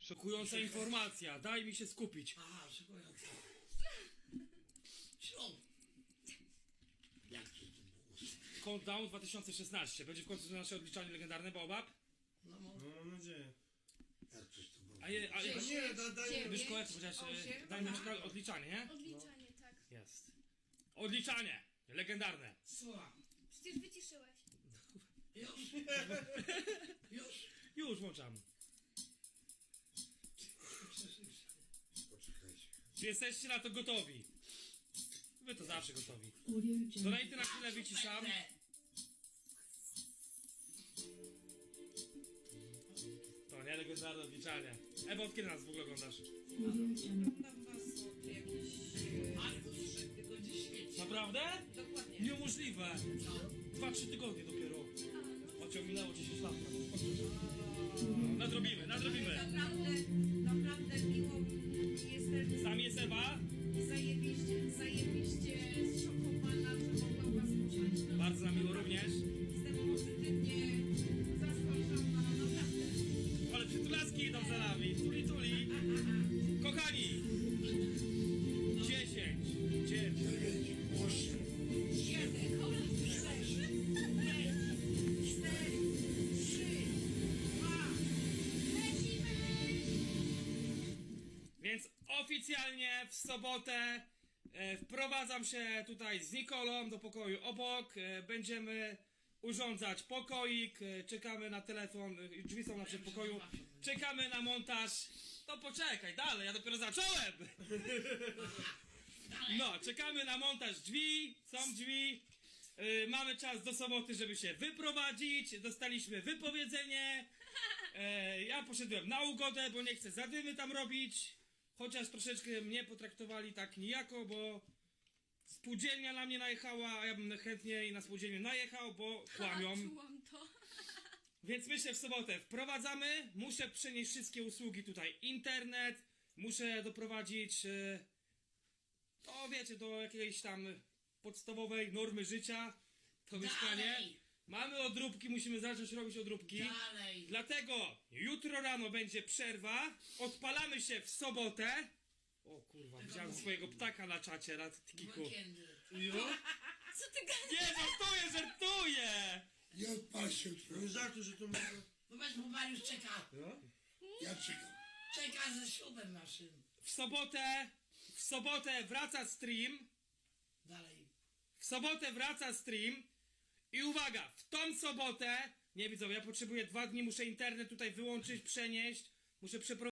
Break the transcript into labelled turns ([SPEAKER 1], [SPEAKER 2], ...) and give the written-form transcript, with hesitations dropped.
[SPEAKER 1] Szokująca informacja, daj mi się skupić.
[SPEAKER 2] Aha, szykująca. Ślub. Jak to było?
[SPEAKER 1] Countdown 2016. Będzie w końcu nasze odliczanie legendarne, Baobab?
[SPEAKER 2] No,
[SPEAKER 3] No, mam nadzieję.
[SPEAKER 2] jak coś to było?
[SPEAKER 1] A je,
[SPEAKER 3] Nie, daj
[SPEAKER 1] Myszko, jak powiedziałeś, dajmy odliczanie, nie?
[SPEAKER 4] Odliczanie, tak.
[SPEAKER 1] Jest. Odliczanie! Legendarne.
[SPEAKER 2] Słucham.
[SPEAKER 4] Przecież wyciszyłeś.
[SPEAKER 2] Już? Już?
[SPEAKER 1] Już włączam.
[SPEAKER 2] Poczekajcie.
[SPEAKER 1] Czy jesteście na to gotowi? Wy to zawsze gotowi.
[SPEAKER 5] Audio Jungle.
[SPEAKER 1] Donajty na chwilę wyciszam. To nie legendarne odliczanie. Ewa, od kiedy nas w ogóle oglądasz?
[SPEAKER 5] Audio Jungle.
[SPEAKER 6] Oglądam was od jakichś...
[SPEAKER 2] Markus tylko gdzie świeci.
[SPEAKER 1] Naprawdę?
[SPEAKER 6] Dokładnie.
[SPEAKER 1] Niemożliwe. 2-3 tygodnie dopiero. Chociaż minęło 10 lat. Nadrobimy.
[SPEAKER 6] Naprawdę miło mi jestem
[SPEAKER 1] Tam jest Ewa.
[SPEAKER 6] zajebiście zszokowana, że mogłam was poznać.
[SPEAKER 1] Bardzo nam miło również.
[SPEAKER 6] Jestem pozytywnie zaskoczona, naprawdę.
[SPEAKER 1] Ale przytulaski idą za nami. Tuli. Kochani. 10, 9,
[SPEAKER 2] 8,
[SPEAKER 6] 1, 4, 3, 2, lecimy!
[SPEAKER 1] Więc oficjalnie w sobotę wprowadzam się tutaj z Nikolą do pokoju obok. Będziemy urządzać pokoik. Czekamy na telefon. Drzwi są na przedpokoju. Czekamy na montaż. To poczekaj, dalej, ja dopiero zacząłem! No, czekamy na montaż drzwi. Są drzwi. Mamy czas do soboty, żeby się wyprowadzić. Dostaliśmy wypowiedzenie. Ja poszedłem na ugodę, bo nie chcę zadymy tam robić. Chociaż troszeczkę mnie potraktowali tak nijako, bo spółdzielnia na mnie najechała, a ja bym chętniej na spółdzielnię najechał, bo kłamią.
[SPEAKER 4] Czułam to.
[SPEAKER 1] Więc myślę w sobotę wprowadzamy. Muszę przenieść wszystkie usługi tutaj. Internet. Muszę doprowadzić to wiecie, do jakiejś tam podstawowej normy życia. To mieszkanie.
[SPEAKER 2] Dalej.
[SPEAKER 1] Mamy odróbki, musimy zacząć robić odróbki.
[SPEAKER 2] dalej.
[SPEAKER 1] Dlatego jutro rano będzie przerwa. Odpalamy się w sobotę. O kurwa, widziałem swojego ptaka na czacie, na Tikiku.
[SPEAKER 2] Weekendy.
[SPEAKER 4] Co ty gadasz?
[SPEAKER 1] Nie, żartuję!
[SPEAKER 2] Nie odpal się jutro.
[SPEAKER 3] Nie żartuj, że to może...
[SPEAKER 2] No weź, bo Mariusz czeka.
[SPEAKER 3] No?
[SPEAKER 2] Ja czekam. Czeka ze ślubem naszym.
[SPEAKER 1] W sobotę wraca stream.
[SPEAKER 2] Dalej.
[SPEAKER 1] W sobotę wraca stream. I uwaga, w tą sobotę, nie widzą, ja potrzebuję 2 dni, muszę internet tutaj wyłączyć, przenieść, muszę przeprowadzić.